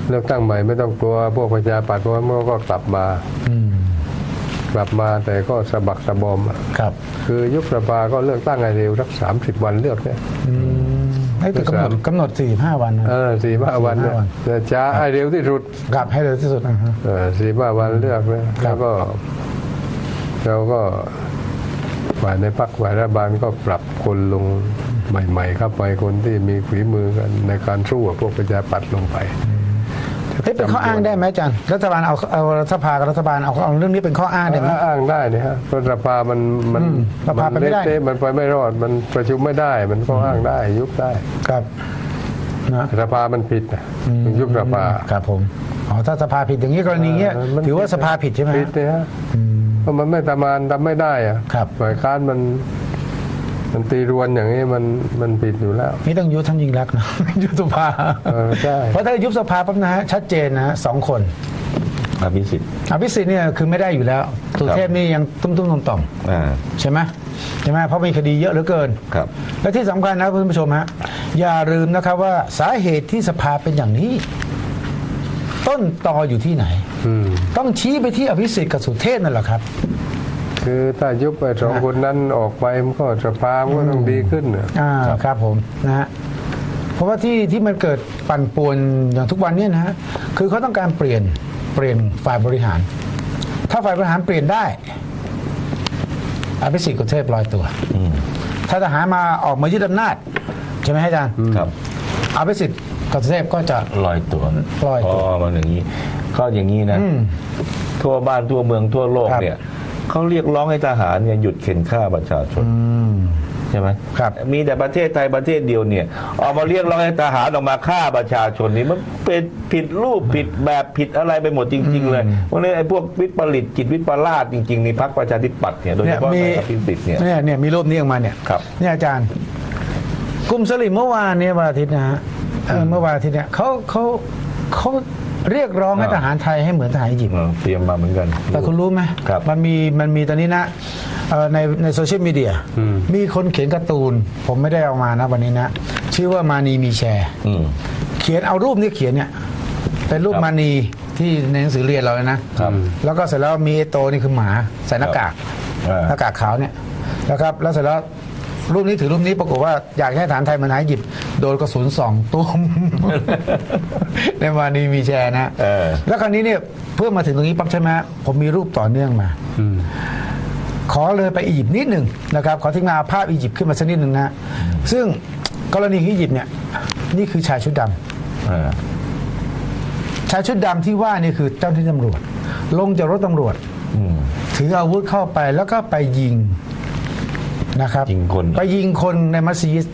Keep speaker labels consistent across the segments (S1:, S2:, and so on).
S1: เลือกตั้งใหม่ไม่ต้องกลัวพวกประชาปัตย์เพราะว่าเมื่อก็กลับมาแต่ก็สะบักสะบอม
S2: ครับ
S1: คือยุบสภาก็เลือกตั้งให้เร็วสัก30 วันเลือกเนี่ย
S2: ให้กำหนด45 วัน
S1: 45 วันเนี่ยจะช้าให้เร็วที่สุด
S2: กลับให้เร็วที่สุด
S1: 45 วันเลือกนะแล้วก็เราก็ฝ่ายในพรรคฝ่ายรัฐบาลก็ปรับคนลงใหม่ๆเข้าไปคนที่มีฝีมือกันในการสู้กับพวกประชาปัตย์ลงไป
S2: เป็นข้ออ้างได้ไหมอาจารย์รัฐบาลเอาสภากับรัฐบาลเอาเรื่องนี้เป็นข้ออ้างได้ไหม
S1: อ้างได้เนี่ยฮะเพราะสภามัน
S2: สภาไปไม่ได้
S1: มันไปไม่รอดมันประชุมไม่ได้มันก็อ้างได้ยุบได้
S2: ครับ
S1: นะสภามันผิดยุบสภา
S2: ครับผมถ้าสภาผิดอย่างนี้กรณีเงี้ยถือว่าสภาผิดใช่ไหม
S1: ผิดเนี่ยฮะเพราะมันไม่ทำไม่ได้อะฝ่ายค้านมันตีรวนอย่างนี้มันผิดอยู่แล้ว
S2: นี่ต้องยุบท่านยิ่งรักนะยุบสภา
S1: ใช่
S2: เพราะถ้ายุบสภาปั๊บนะฮะชัดเจนนะ2 คน
S3: อภิสิทธิ์
S2: เนี่ยคือไม่ได้อยู่แล้วสุเทพนี่ยังตุ้มต่อมใช่ไหมเพราะมีคดีเยอะเหลือเกิน
S3: ครับ
S2: และที่สำคัญนะคุณผู้ชมฮะอย่าลืมนะครับว่าสาเหตุที่สภาเป็นอย่างนี้ต้นตออยู่ที่ไหนต้องชี้ไปที่อภิสิทธิ์กับสุเทพนั่นแหละครับ
S1: คือถ้ายุบไป2 คนนั้นออกไปมันก็สภามันก็ต้องดีขึ้น
S2: ครับผมนะฮะเพราะว่าที่มันเกิดปั่นป่วนอย่างทุกวันนี้นะฮะคือเขาต้องการเปลี่ยนฝ่ายบริหารถ้าฝ่ายบริหารเปลี่ยนได้อภิสิทธิ์กับสุเทพลอยตัวถ้าทหารมาออกมายึดอำนาจใช่ไหมอาจารย์
S3: ครับ
S2: อภิสิทธิ์กับสุเทพก็จะ
S3: ลอยตัวมันอย่างนี้ก็อย่างนี้นะทั่วบ้านทั่วเมืองทั่วโลกเนี่ยเขาเรียกร้องให้ทหารเนี่ยหยุดเข็นฆ่าประชาชนใช่ไหม
S2: ครับ
S3: มีแต่ประเทศไทยประเทศเดียวเนี่ยออกมาเรียกร้องให้ทหารออกมาฆ่าประชาชนนี่มันเป็นผิดรูปผิดแบบผิดอะไรไปหมดจริงๆเลยเพราะนี่ไอ้พวกวิปริตจิตวิปลาสจริงๆในพรรคประชาธิปัตย์เนี่ยโดยเฉพาะในอภิสิทธิ์
S2: เนี่ยมีรูปนี้ออกมาเนี่ยเนี่ยอาจารย์กลุ่มสลิมเมื่อวานเนี่ยวันอาทิตย์นะฮะเมื่อวันอาทิตย์เนี่ยเขาเรียกร้องให้ทหารไทยให้เหมือนทหารอียิปต์
S3: เตรียมมาเหมือนกัน
S2: แต่คุณรู้ไหมมันมีตอนนี้นะในโซเชียลมีเดียมีคนเขียนการ์ตูนผมไม่ได้เอามานะวันนี้นะชื่อว่ามานีมีแชร์เขียนเอารูปนี้เขียนเนี่ยเป็นรูปมานีที่ในหนังสือเรียนเราเลยนะแล้วก็เสร็จแล้วมีไอโตนี่คือหมาใส่หน้ากากขาวเนี่ยนะครับแล้วเสร็จแล้วรูปนี้ถือรูปนี้ปรากฏว่าอยากให้ฐานไทยมันหายหยิบโดนกระสุน2 ตุ้มในวันนี้มีแชร์นะแล้วคราวนี้เนี่ยเพื่อมาถึงตรงนี้ปั๊บใช่ไหมผมมีรูปต่อเนื่องมาขอเลยไปอียิปต์นิดหนึ่งนะครับขอทิ้งมาภาพอียิปต์ขึ้นมาสักนิดหนึ่งนะซึ่งกรณีอียิปต์เนี่ยนี่คือชายชุดดำชายชุดดำที่ว่านี่คือเจ้าหน้าที่ตำรวจลงจากรถตำรวจถืออาวุธเข้าไปแล้วก็ไปยิงนะครับไปยิงคนในมัสยิด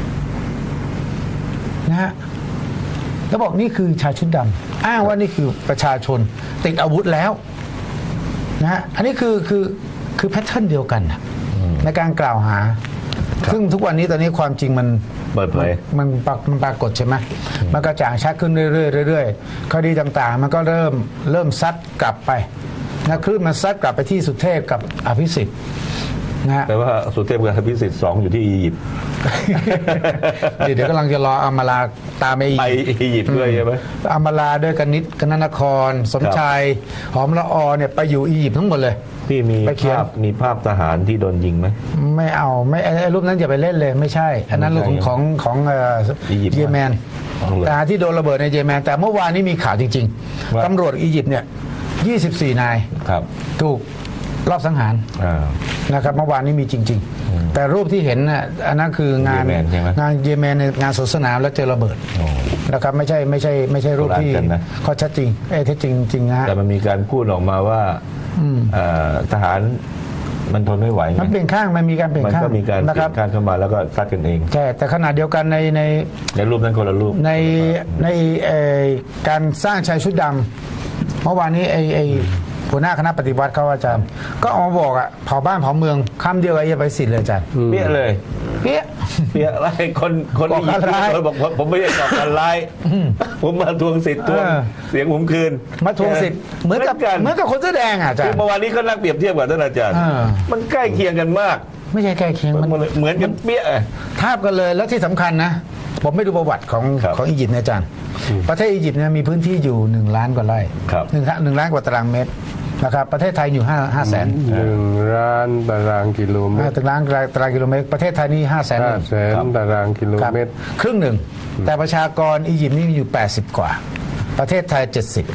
S2: นะฮะแล้วบอกนี่คือชายชุดดำอ้างว่านี่คือประชาชนติดอาวุธแล้วนะฮะอันนี้คือแพทเทิร์นเดียวกันในการกล่าวหาซึ่งทุกวันนี้ตอนนี้ความจริงมัน
S3: เปิดเผย
S2: มันปรากฏใช่ไหมมันกระจ่างชัดขึ้นเรื่อยๆคดีต่างๆมันก็เริ่มซัดกลับไปนะคลื่นมันซัดกลับไปที่สุเทพกับอภิสิทธิ์
S3: แปลว่าสุเทพกับอภิสิทธิ์2อยู่ที่อียิปต์
S2: เดี๋ยวกำลังจะรออมราตามไป
S3: อียิปต์ด้วยใช่ไหม
S2: อมราด้วยกนนครสมชายหอมละอเนี่ยไปอยู่อียิปต์ทั้งหมดเลย
S3: พี่มีภาพทหารที่โดนยิงไหม
S2: ไม่เอาไม่ไอ้รูปนั้นอย่าไปเล่นเลยไม่ใช่อันนั้นรูปของเยเมนทหารที่โดนระเบิดในเยเมนแต่เมื่อวานนี้มีข่าวจริงๆตำรวจอียิปต์เนี่ย24 นายถูกรอบสังหารนะครับเมื่อวานนี้มีจริงๆแต่รูปที่เห็นน่ะอันนั้นคืองานเยเมนในงานสวนสนามแล้วเจอระเบิดนะครับไม่ใช่รูปที่ข้อชัดจริงเท็จจริงนะ
S3: แต่มันมีการพูดออกมาว่าทหารมันทนไม่ไหว
S2: มันเปลี่ยนข้างมันมีการเปลี่ยนข้าง
S3: มันก็มีการเปลี่ยนข้างเข้ามาแล้วก็ซัดกันเอง
S2: แต่ขณะเดียวกัน
S3: ในรูปนั้นคนละรูป
S2: ในการสร้างชายชุดดำเมื่อวานนี้หัวหน้าคณะปฏิวัติเขาอาจารย์ก็ออกมาบอกเผาบ้านเผาเมืองคำเดียวไอ้ไปสิทธิ์เลยอาจารย์
S3: เปี้ยเลย
S2: เปี้
S3: ยอะไรคนอียิปต์บอกผมไม่ได้ก่อการร้ายผมมาทวงสิทธิ์ทวงเสียงผมคืน
S2: มาทวงสิทธิ์เหมือนกับคนเสื้อแดงอาจารย์
S3: เมื่อวานนี้เขานั่งเปรียบเทียบกับท่านอาจารย์มันใกล้เคียงกันมาก
S2: ไม่ใช่ใกล้เคียง
S3: มันเหมือนกันเปี้ย
S2: ทาบกันเลยแล้วที่สำคัญนะผมไม่ดูประวัติของ
S3: ครับ
S2: ของอียิปต์นะอาจารย์ประเทศอียิปต์เนี่ยมีพื้นที่อยู่1 ล้านกว่าไร่
S3: ครับ
S2: หนึ่งล้านกว่าตารางเมตรนะครับประเทศไทยอยู่5 แสน
S1: 1,000,000 ตารางกิโลเมตร
S2: ตารางกิโลเมตรประเทศไทยนี่5 แสน
S1: 500,000 ตารางกิโล
S2: ครับ
S1: เมตร
S2: ครึ่งหนึ่งแต่ประชากรอียิปต์นี่มีอยู่80 กว่า ประเทศไทย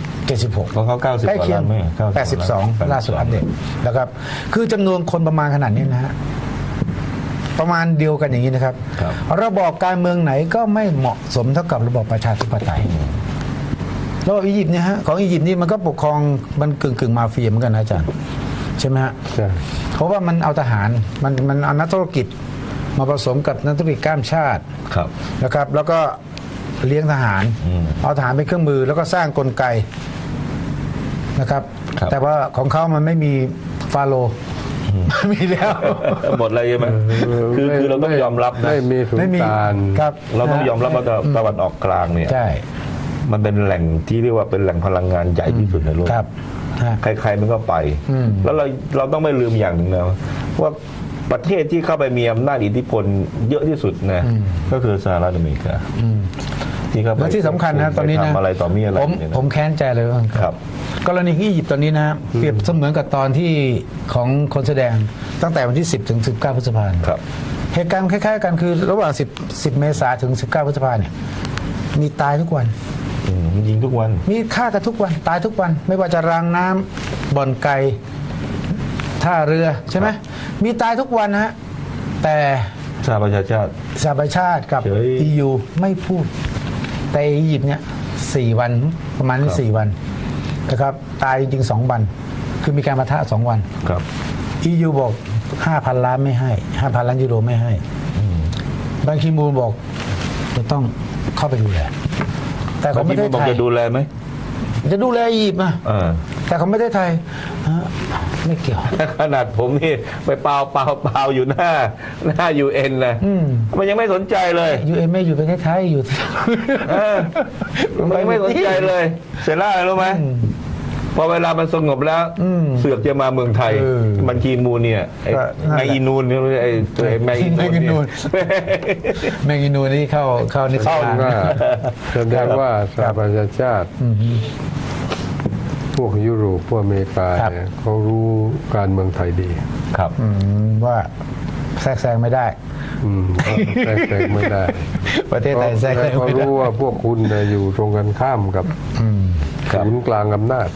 S2: 76
S3: ของเขา90
S2: ใกล้เคียง
S3: กว่าล้านไหม
S2: 82ล่าสุดอัปเดตนะครับคือจำนวนคนประมาณขนาดนี้นะฮะประมาณเดียวกันอย่างนี้นะครับ
S3: ครับ
S2: ระบอบการเมืองไหนก็ไม่เหมาะสมเท่ากับระบอบประชาธิปไตยระบอบอียิปต์เนี่ยฮะของอียิปต์นี่มันก็ปกครองมันกึ่งมาเฟียเหมือนกันนะอาจารย์ใช่ไหมฮะ
S1: ใช่
S2: เพราะว่ามันเอาทหารมันเอานักธุรกิจมาผสมกับนักธุรกิจข้ามชาติ
S3: ครับ
S2: นะครับ แล้วก็เลี้ยงทหาร เอาทหารเป็นเครื่องมือ แล้วก็สร้างกลไกนะครับ
S3: ครับ
S2: แต่ว่าของเขามันไม่มีฟาโรห์ไม่มีแล้ว
S3: หมดเลยใช่ไหมคือเราต้องยอมรับนะ
S1: ไม่มีสุล
S2: ไม่มี
S1: ต่าน
S2: ครับ
S3: เราต้องยอมรับว่าตะวันออกกลางเนี่ย
S2: ใช่
S3: มันเป็นแหล่งที่เรียกว่าเป็นแหล่งพลังงานใหญ่ที่สุดในโลก
S2: ครับฮะ
S3: ใครๆมันก็ไป แล้วเราต้องไม่ลืมอย่างหนึ่งนะว่าประเทศที่เข้าไปมีอำนาจอิทธิพลเยอะที่สุดนะก็คือสหรัฐอเมริกาที่เข้าไป
S2: และที่สำคัญนะตอนนี้นะ
S3: ทำอะไรต่อมีอะไร
S2: ผม
S3: เนี่ยนะ
S2: ผมแค้นใจเลยว่า
S3: ครับ
S2: กรณีที่อียิปต์ตอนนี้นะเปรียบเสมือนกับตอนที่ของคนแสดงตั้งแต่วันที่ 10 ถึง 19 พฤษภาคม
S3: ครับ
S2: เหตุการณ์คล้ายๆกันคือระหว่าง10 เมษายนถึง 19 พฤษภาเนี่ยมีตายทุกวัน
S3: ยิงทุกวัน
S2: มีฆ่ากันทุกวันตายทุกวัน ไม่ว่าจะรางน้ำบ่อนไก่ท่าเรือใช่ไหมมีตายทุกวันนะฮะแต่
S3: สหประชาชาติ
S2: สหประชาติกับ
S3: เฉย
S2: EU ไม่พูด แต่อียิปต์เนี่ย4 วันประมาณนี้4 วันนะครับตายจริงๆ2 วัน คือมีการปะทะ2 วัน
S3: ครับ
S2: EU บอก 5,000 ล้านไม่ให้ 5,000 ล้านยูโรไม่ให้บังคีมูนบอกจะต้องเข้าไปดูแลแต่ของประเทศ
S3: บอก
S2: ไทย
S3: จะดูแลไหม
S2: จะดูแลอียิปต์นะ แต่ของประเทศไทยไม่เกี่ยว
S3: ขนาดผมนี่ไปเปล่าอยู่หน้าUN นะมันยังไม่สนใจเลย
S2: UN ไม่อยู่ประเทศไทยอยู่ที่
S3: มันไม่สนใจเลย เสร็จแล้วอะไรรู้ไหมพอเวลามันสงบแล้วเสือกจะมาเมืองไทย มันคีมูลเนี่ยไอ้
S2: ก็นั่นแหละ
S3: แมงอีนูนเนี่ยไอ้ตัวแมงอีนูน
S2: แมงอีนูน
S3: เนี่ย
S2: แมงอีนูนี่เข้านิส
S1: เข้า
S2: สาน
S1: ว่าแสดงว่าสหประชาชาติ พวกยุโรปพวกอเมริกาเนี่ยเขารู้การเมืองไทยดี
S3: ครับ
S2: ว่าแทรกแซงไม่ได้
S1: เขาแทรกไม่ได้
S2: ประเทศไทยแทรกแซง
S1: เขา
S2: ไม่ได้
S1: รู้ว่าพวกคุณเนี่ยอยู่ตรงกันข้ามกับศูนย์กลางอำนาจ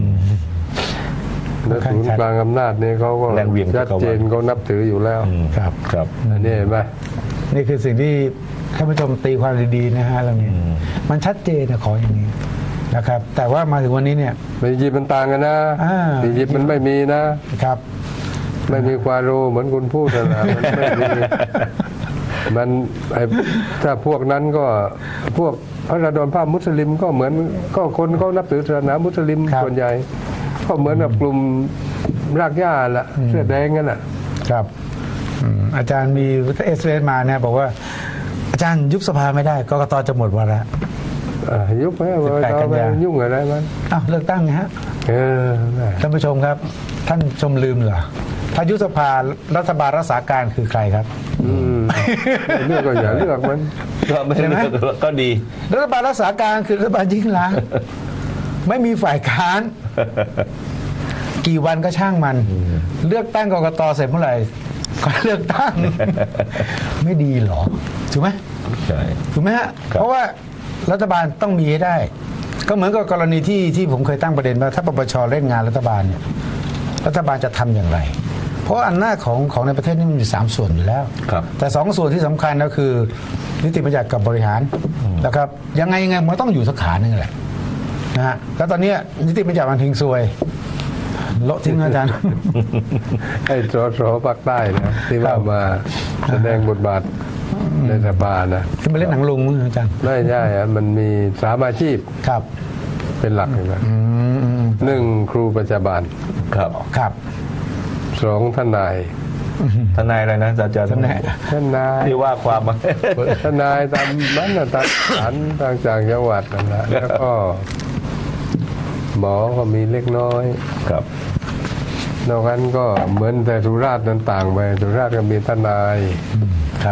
S1: และศูนย์กลางอำนาจนี่เขาก็
S3: แรงเหวี่ยง
S1: ชัดเจนเขานับถืออยู่แล้ว
S2: ครับ
S3: ครับ
S1: อันนี้เห็นไหม
S2: นี่คือสิ่งที่ท่านผู้ชมตีความดีๆนะฮะเรื่องนี้มันชัดเจนนะขออย่างนี้นะครับ แต่ว่ามาถึงวันนี้เนี่ย
S1: อียิปต์มันต่างกันนะ อียิปต์มันไม่มีนะ
S2: ครับ
S1: ไม่มีควาโรเหมือนคุณพูดนะมันไม่มีมันถ้าพวกนั้นก็พวกพระราดอนภาพมุสลิมก็เหมือนก็คนเขานับถือศาสนามุสลิม
S2: ครับ
S1: ส่วนใหญ่ ก็เหมือนกับกลุ่มรากหญ้าละเสื้อแดงนั่นแหละ
S2: ครับอาจารย์มีเอสเอมาเนี่ยบอกว่า อาจารย์ยุบสภาไม่ได้กกตจะหมดวาระ
S1: ยุบไปเรา
S2: 18 กัน
S1: ไป
S2: ยา
S1: ยุ่งอะไรมัน
S2: อ้าวเลือกตั้งไงฮะ
S1: ได้
S2: ท่านผู้ชมครับ ท่านชมลืมเหรอถ้ายุบสภารัฐบาลรักษาการคือใครครับ
S1: เลือกก็อย่าเลือกมัน
S3: ก็ไม่
S2: ใช่ไหม
S3: ก็ดี
S2: รัฐบาลรักษาการคือรัฐบาลยิ่งลักษณ์ไม่มีฝ่ายค้าน กี่วันก็ช่างมัน เลือกตั้งกกตเสร็จเมื่อไหร่ก็เลือกตั้ง ไม่ดีเหรอถูกไหม
S3: ใช่
S2: ถูกไหมฮะ
S3: ครับ
S2: เพราะว่ารัฐบาลต้องมีให้ได้ ก็เหมือนกับกรณีที่ผมเคยตั้งประเด็นว่าถ้าปปชเล่นงานรัฐบาลเนี่ยรัฐบาลจะทำอย่างไร เพราะอำนาจของในประเทศนี่มันมี3 ส่วนอยู่แล้ว
S3: ครับ
S2: แต่2 ส่วนที่สำคัญก็คือ นิติบัญญัติกับบริหารนะครับยังไงมันต้องอยู่สักขาหนึ่งแหละนะฮะแล้วตอนนี้นิติบัญญัติมันทิ้งซวยโละทิ้งนะอาจารย์
S1: ไอ้สภาคใต้นะที่ว่ามาแสดงบทบาทในรัฐบาลนะ
S2: ที่มาเล่นหนังลุงมั้งอาจารย์
S1: ไม่ใช่อะมันมี3 อาชีพ
S2: ครับ
S1: เป็นหลักเลยนะ1 ครูประจาบาล
S3: ครับ
S2: ครับ
S1: 2 ทนาย
S3: ทนายอะไรนะอาจารย์
S2: ทนาย
S1: ทนาย
S3: ที่ว่าความมา
S1: ทนายตามบ้านตามศาลต่างจากจังหวัดนั่นแหละแล้วก็หมอก็มีเล็กน้อย
S3: ครับ
S1: นอกนั้นก็เหมือนแต่สุราษฎร์นั้นต่างไปสุราษฎร์ก็มีทนาย
S2: ครับ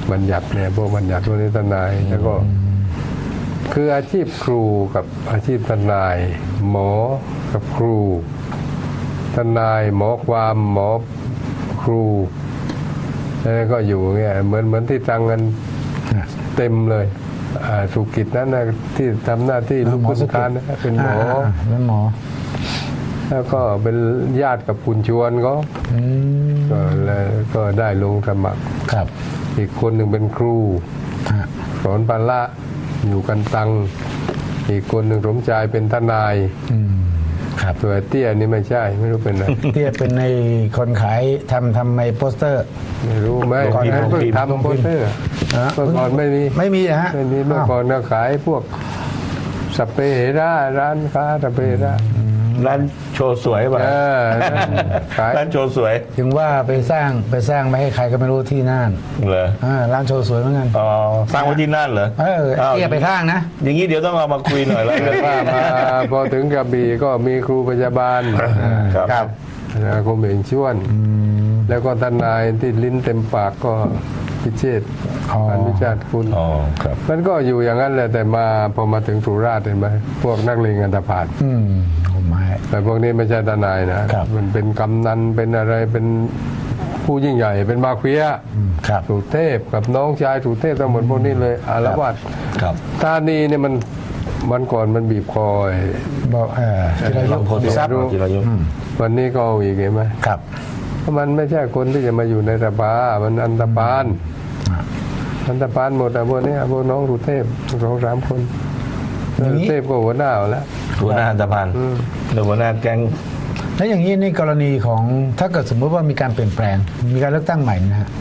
S1: บัญญัติเนี่ยพวกบัญญัติพวกนี้ทนายแล้วก็ คืออาชีพครูกับอาชีพทนาย หมอกับครูทนายหมอความหมอครูแล้วก็อยู่เงี้ยเหมือนที่ตังกันเต็มเลยสุกิจนั้นนะที่ทำหน้าที่ลูกคุณการนะเป็นหมอ
S2: เป็นหมอ
S1: แล้วก็เป็นญาติกับคุณชวนเขาก็ได้ลงสมัคร
S2: ครับ
S1: อีกคนหนึ่งเป็นครู
S2: ฮะ
S1: สอนพละอยู่กันตัง อีกคนหนึ่งสมชายเป็นทนาย
S2: ครับ
S1: ตัวเตี้ยนี่ไม่ใช่ไม่รู้เป็นอะไร
S2: เตี้ยเป็นในคนขายทำในโปสเตอร์
S1: ไม่รู้ไหม
S3: ลงพิมพ์
S1: เพิ่ง
S3: ลงพิมพ์
S1: ทำโปสเตอร์
S2: ฮะ
S1: เมื่อก่อนไม่มี
S2: ไม่มีนะฮะ
S1: ไม่มีเมื่อก่อนก็ขายพวกสเปรย์เฮร่าร้านค้าสเปรย์เฮร่า
S3: ร้านโชว์สวยป่ะ
S1: ขาย
S3: ร้านโชว์สวย
S2: ถึงว่าไปสร้างไม่ให้ใครก็ไม่รู้ที่น่าน
S3: เหรอ
S2: ร้านโชว์สวยเหมือนกัน
S3: อ๋อสร้างไว้ที่นั่นเหรอ
S2: เตี้ยไปข้างนะ
S3: อย่างนี้เดี๋ยวต้องเอามาคุยหน่อยแล้วกัน
S1: ว่ามาพอถึงกระบี่ก็มีครูพยาบาล
S3: ครับ
S1: นะคมเองชวน แล้วก็ทนายที่ลิ้นเต็มปากก็พิเชษฐ์
S2: อ๋อ
S1: อันวิชาติคุณ
S3: อ๋อครับ
S1: มันก็อยู่อย่างนั้นแหละแต่พอมาถึงสุราษฎร์เห็นไหมพวกนักเลงอันธพาล
S2: ผมไม่
S1: แต่พวกนี้ไม่ใช่ทนายนะครับ มันเป็นกำนันเป็นอะไรเป็นผู้ยิ่งใหญ่เป็นมาเฟีย
S2: ครับ
S1: สุเทพกับน้องชายสุเทพทั้งหมดพวกนี้เลยอารวาส
S3: ครับ
S1: ธานีเนี่ยมันก่อนมันบีบคอไอ้
S2: บอกจิรายุ
S3: บางคน
S2: ทรัพย์
S3: จิรายุ
S1: วันนี้ก็เอาอีกเห็นไหม
S2: ครับ
S1: เพราะมันไม่ใช่คนที่จะมาอยู่ในสภามันอันธพาลอันธพาลหมดอะพวกนี้พวกน้องสุเทพ2-3 คน
S2: อย่างนี้
S1: สุเทพก็หัวหน้าเอาแล้ว
S3: หัวหน้าอันตพันธ์หรือหัวหน้าแก๊ง
S2: แล้วอย่างนี้ในกรณีของถ้าเกิดสมมติว่ามีการเปลี่ยนแปลง มีการเลือกตั้งใหม่นะฮะ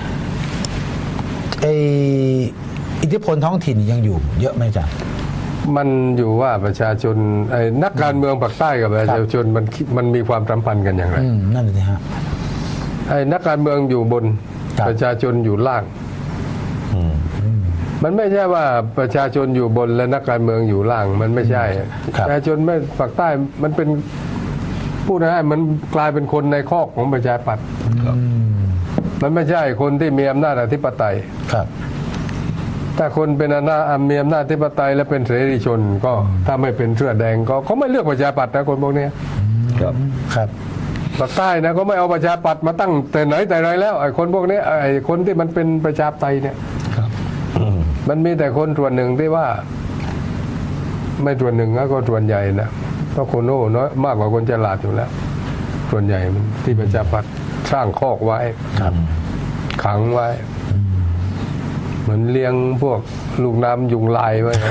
S2: อิทธิพลท้องถิ่นยังอยู่ เยอะไหมจ๊ะ
S1: มันอยู่ว่าประชาชนไอ้นักการเมืองภาคใต้กับประชาชนมันมีความสัมพันธ์กันอย่างไร
S2: นั่นสิฮะ
S1: ไอ้นักการเมืองอยู่บน
S2: ครับ
S1: ประชาชนอยู่ล่าง
S3: อืม
S1: มันไม่ใช่ว่าประชาชนอยู่บนและนักการเมืองอยู่ล่าง มันไม่ใช่
S2: ครับ
S1: ประชาชนไม่ภาคใต้มันเป็นพูดง่ายๆมันกลายเป็นคนในคอกของประชาธิปัตย์มันไม่ใช่คนที่มีอำนาจอธิปไตย
S2: ครับ
S1: ถ้าคนเป็นมีอำนาจอธิปไตยและเป็นเสรีชน ก็ถ้าไม่เป็นเสื้อแดงก็เขาไม่เลือกประชาธิปัตย์นะคนพวกเนี้ย
S3: ครับ
S2: ครับ
S1: ภาคใต้นะก็ไม่เอาประชาธิปัตย์มาตั้งแต่ไหนแต่ไรแล้วไอ้คนพวกนี้ไอ้คนที่มันเป็นประชาธิปไตยเนี่ย
S3: อืม
S1: มันมีแต่คนส่วนหนึ่งที่ว่า ไม่ส่วนหนึ่งนะก็ส่วนใหญ่นะเพราะคนโง่น้อยมากกว่าคนฉลาดอยู่แล้ว ส่วนใหญ่มันที่ประชาธิปัตย์สร้างคอกไว้
S2: ครับ
S1: ขังไว้ เหมือนเลี้ยงพวกลูกน้ำยุงลายไว้นั่น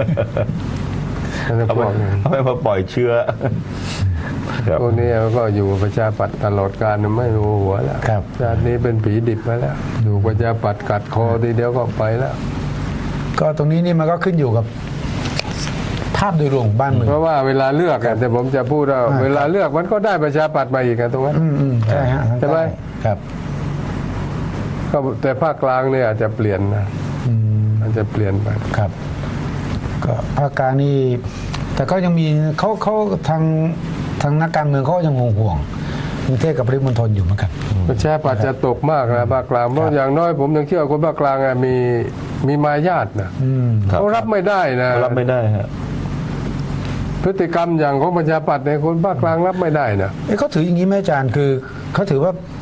S1: พวกนี้
S3: เอาไปมาปล่อยเชื้อครับ
S1: พวกนี้ก็อยู่ประชาธิปัตย์ตลอดกาลไม่รู้หัวแล้ว
S2: ครับ
S1: ชาตินี้เป็นผีดิบไปแล้วอยู่ประชาธิปัตย์กัดคอทีเดียวก็ไปแล้ว
S2: ก็ตรงนี้นี่มันก็ขึ้นอยู่กับภาพโดยรวมของบ้านเมือง
S1: เพราะว่าเวลาเลือกอะแต่ผมจะพูดว่าเวลาเลือกมันก็ได้ประชาธิปัตย์มาอีกอะตรงนั้น
S2: ใช่ฮะ
S1: ใช่ไหม
S2: ครับ
S1: ก็แต่ภาคกลางเนี่ยอาจจะเปลี่ยนนะอาจจะเปลี่ยนไป
S2: ครับ ก็ภาคกลางนี่แต่ก็ยังมีเขาทางนักการเมืองเขาก็ยังห่วงกรุงเทพกับปริมณฑลอยู่เหมือนกัน
S1: ประชาธิปัตย์จะตกมากนะภาคกลางเพราะอย่างน้อยผมยังเชื่อคนภาคกลางอะมีมารยาทนะ
S3: ครับ
S1: เขารับไม่ได้นะ
S3: รับไม่ได้ฮะ
S1: พฤติกรรมอย่างของประชาธิปัตย์ในยคนภาคกลางรับไม่ได้นะ
S2: เขาถืออย่างนี้ไหมอาจารย์คือเขาถือว่า